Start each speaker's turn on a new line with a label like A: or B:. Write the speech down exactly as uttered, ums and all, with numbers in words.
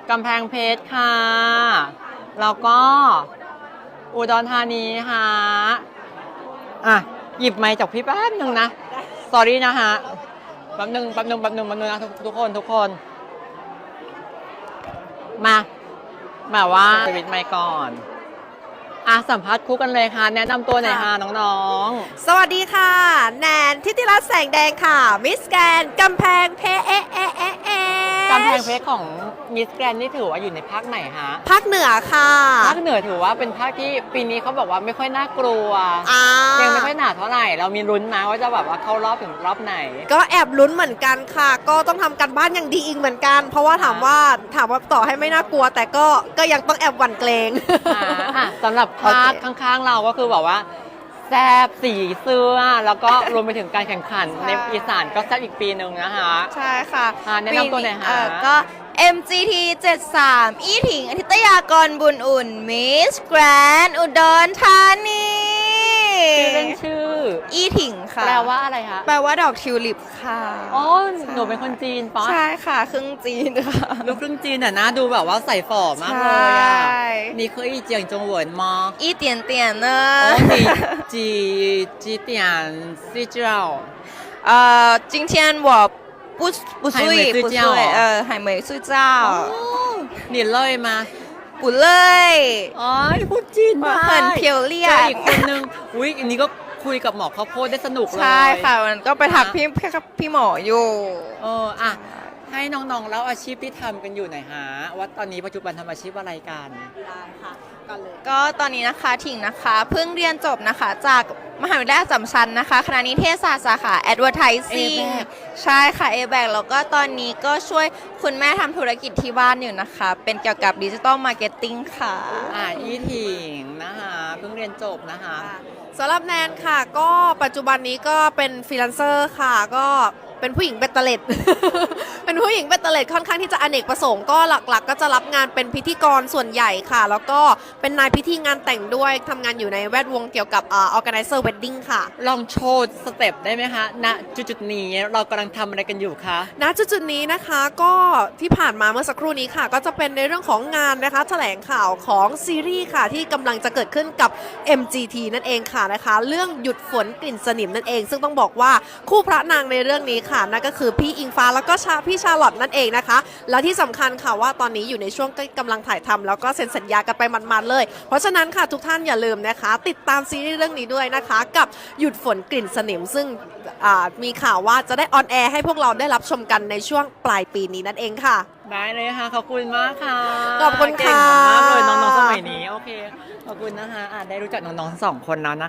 A: กำแพงเพชรค่ะ แล้วก็อุดรธานีค่ะอ่ะ หยิบไมค์จากพี่แป๊บหนึ่งนะ สอรี่นะฮะแป๊บหนึ่งแป๊บหนึ่งแป๊บหนึ่งแป๊บหนึ่งนะทุกทุกคนทุกคน มาแบบว่าสวิตช์ไมค์ก่อนอ่ะสัมภาษณ์คู่กันเลยค่ะ แนะนำตัวหน่อยค่ะน้องๆ
B: สวัสดีค่ะแนนทิติรัตน์แสงแดงค่ะมิสแกรนด์กำแพงเพชรเอะเอะเอะเอะ
A: กำแพงเพชรของมิสแกรนนี่ถือว่าอยู่ในภาคไหนฮะ
B: ภาคเหนือค่ะ
A: ภาคเหนือถือว่าเป็นภาคที่ปีนี้เขาบอกว่าไม่ค่อยน่ากลัว
B: อ่า
A: ยังไม่ค่อยหนาเท่าไหร่ เรามีลุ้นนะว่าจะแบบว่าเข้ารอบถึงรอบไหน
B: ก็แอบลุ้นเหมือนกันค่ะ ก็ต้องทำกันบ้านอย่างดีอีกเหมือนกัน เพราะว่าถามว่าถามว่าต่อให้ไม่น่ากลัว แต่ก็ก็ยังต้องแอบหวั่นเกรง
A: อ่าอ่ะสำหรับภาค
B: โอเค
A: ข้างๆเราก็คือแบบว่าแซบสีเสื้อ แล้วก็รวมไปถึงการแข่งขัน
B: ใช่
A: ในอีสานก็แซบอีกปีหนึ่งนะคะ
B: ใช่ค่ะ
A: อ่าแนะนำตัวหน่อยค่ะ
B: เอ่อก็
C: เอ็ม จี ที เจ็ดสาม อีถิงอธิตยากรบุญอุ่น มิสแกรนด์อุดรธานี
A: ชื่อเล่นชื่อ
C: อีถิงค่ะ
A: แปลว่าอะไรคะ
C: แปลว่าดอกทิวลิปค่ะ
A: อ๋อหนูเป็นคนจีนปะ
C: ใช่ค่ะครึ่งจีนค่ะ
A: ลูกครึ่งจีนแต่ะนะดูแบบว่าใส่ฝ่อมากเลย
C: ใช่
A: อ่ะนี่คืออีเจียงจงเหวินมา
C: 一点点呢
A: 哦，你几几点睡觉？
C: 呃今天我不不
A: 还没
C: 睡不睡
A: 睡觉哦
C: 呃还没睡觉
A: 哦，你累吗？
C: 不累
A: อ๋อพูดจีนได้
C: 很漂亮
A: เจออีกคนนึงอุ้ยอันนี้ก็คุยกับหมอข้าวโพดได้สนุกเลย
C: ใช่ค่ะมันก็ไปถักพี่พี่พี่หมออยู่
A: เอออ่ะให้น้องๆเล่าอาชีพที่ทำกันอยู่หน่อยฮะว่าตอนนี้ปัจจุบันทำอาชีพอะไรกัน
B: ได้ค่ะก่อนเลย
C: ก็ตอนนี้นะคะถิงนะคะเพิ่งเรียนจบนะคะจากมหาวิทยาลัยอัสสัมชัญนะคะคณะนิเทศศาสตร์สาขา Advertising
A: A-back
C: ใช่ค่ะ A-back แล้วก็ตอนนี้ก็ช่วยคุณแม่ทำธุรกิจที่บ้านอยู่นะคะ เป็นเกี่ยวกับดิจิ t a ลมาร์เก็ตติ้งค่ะ
A: อ่ะอีถิงนะคะเพิ่งเรียนจบนะคะ
B: สำหรับแนนค่ะ ก็ปัจจุบันนี้ก็เป็นฟรีแลนเซอร์ค่ะ ก็เป็นผู้หญิงเบตเตอร์เล็ด เป็นผู้หญิงเบตเตอร์เล็ดค่อนข้างที่จะอเนกประสงค์ก็หลักๆ ก็จะรับงานเป็นพิธีกรส่วนใหญ่ค่ะ แล้วก็เป็นนายพิธีงานแต่งด้วยทำงานอยู่ในแวดวงเกี่ยวกับอ่า organizer wedding ค่ะ
A: ลองโชว์สเต็ปได้ไหมคะณจุดๆนี้เรากำลังทำอะไรกันอยู่คะ
B: ณจุดๆนี้นะคะก็ที่ผ่านมาเมื่อสักครู่นี้ค่ะ ก็จะเป็นในเรื่องของงานนะคะแถลงข่าวของซีรีส์ค่ะที่กำลังจะเกิดขึ้นกับ เอ็ม จี ที นั่นเองค่ะนะคะ เรื่องหยุดฝนกลิ่นสนิมนั่นเอง ซึ่งต้องบอกว่าคู่พระนางในเรื่องนี้ค่ะนั่นก็คือพี่อิงฟ้าแล้วก็ชาพี่ชาลอตนั่นเองนะคะ แล้วที่สำคัญค่ะว่าตอนนี้อยู่ในช่วงกำลังถ่ายทำแล้วก็เซ็นสัญญากันไปมันๆเลย เพราะฉะนั้นค่ะทุกท่านอย่าลืมนะคะ ติดตามซีรีส์เรื่องนี้ด้วยนะคะ กับหยุดฝนกลิ่นสนิม ซึ่งอ่ามีข่าวว่าจะได้ออนแอร์ให้พวกเราได้รับชมกันในช่วงปลายปีนี้นั่นเองค่ะ
A: ได้เลยค่ะ ขอบคุณมากค่ะ
B: ขอบคุณค่ะ
A: เก่งมากเลยน้องๆสมัยนี้ โอเค ขอบคุณนะคะอ่ะได้รู้จักน้องๆทั้งสองคนแล้วนะคะ